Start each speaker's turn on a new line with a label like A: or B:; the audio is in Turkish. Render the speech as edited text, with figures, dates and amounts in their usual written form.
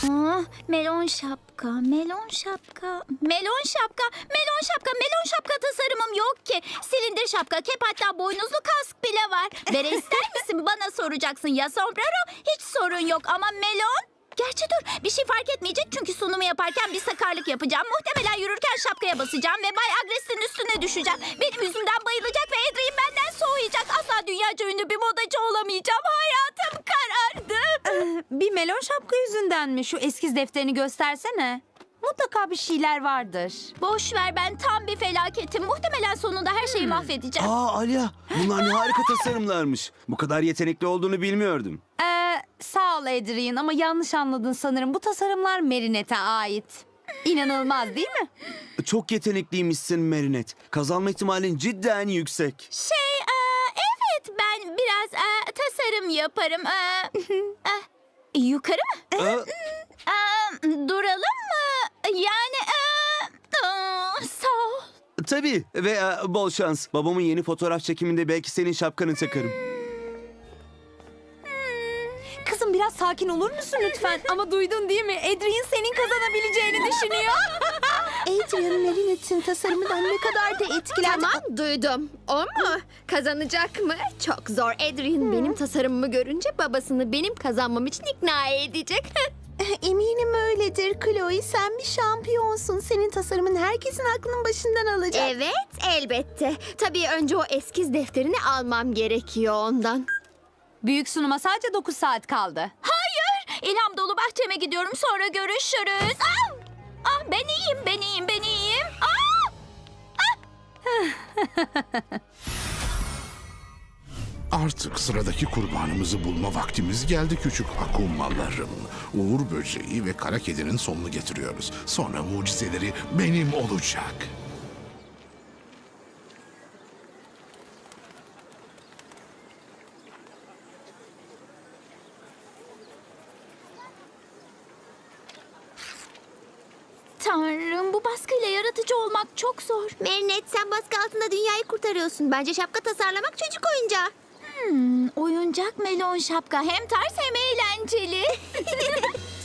A: Melon şapka, melon şapka, melon şapka, melon şapka, melon şapka tasarımım yok ki. Silindir şapka, kep, hatta boynuzlu kask bile var. Bere ister misin? Bana soracaksın. Ya sombrero? Hiç sorun yok ama melon? Gerçi dur, bir şey fark etmeyecek çünkü sunumu yaparken bir sakarlık yapacağım. Muhtemelen yürürken şapkaya basacağım ve Bay Agres'in üstüne düşeceğim. Benim yüzümden bayılacak ve Adrien benden soğuyacak. Asla dünyaca ünlü bir modacı olamayacağım. Hayatım karardı.
B: Bir melon şapka yüzünden mi? Şu eskiz defterini göstersene. Mutlaka bir şeyler vardır.
A: Boş ver, ben tam bir felaketim. Muhtemelen sonunda her şeyi mahvedeceğim.
C: Alya, bunlar ne harika tasarımlarmış. Bu kadar yetenekli olduğunu bilmiyordum.
B: Sağ ol Adrien ama yanlış anladın sanırım. Bu tasarımlar Marinette'e ait. İnanılmaz değil mi?
C: Çok yetenekliymişsin Merinet. Kazanma ihtimalin cidden yüksek.
A: Evet, ben biraz tasarım yaparım. Yukarı mı? Duralım mı? Yani sağ ol.
C: Tabii ve bol şans. Babamın yeni fotoğraf çekiminde belki senin şapkanı takarım.
B: Kızım biraz sakin olur musun lütfen? Ama duydun değil mi? Adrien senin kazanabileceğini düşünüyor.
D: Adrien Marinette'in tasarımından ne kadar da etkilendi.
E: Tamam, duydum. O mu? Kazanacak mı? Çok zor. Adrien benim tasarımımı görünce babasını benim kazanmam için ikna edecek.
D: Eminim öyledir Chloe. Sen bir şampiyonsun. Senin tasarımın herkesin aklının başından alacak.
E: Evet, elbette. Tabii önce o eskiz defterini almam gerekiyor ondan.
B: Büyük sunuma sadece 9 saat kaldı.
A: Hayır, ilham dolu bahçeme gidiyorum. Sonra görüşürüz. Ben iyiyim, ben iyiyim, ben iyiyim.
F: Artık sıradaki kurbanımızı bulma vaktimiz geldi küçük akumalarım. Uğur böceği ve kara kedinin sonunu getiriyoruz. Sonra mucizeleri benim olacak.
A: Tanrım, bu baskıyla yaratıcı olmak çok zor.
E: Merinet, sen baskı altında dünyayı kurtarıyorsun. Bence şapka tasarlamak çocuk oyuncağı.
A: Oyuncak melon şapka hem ters hem eğlenceli.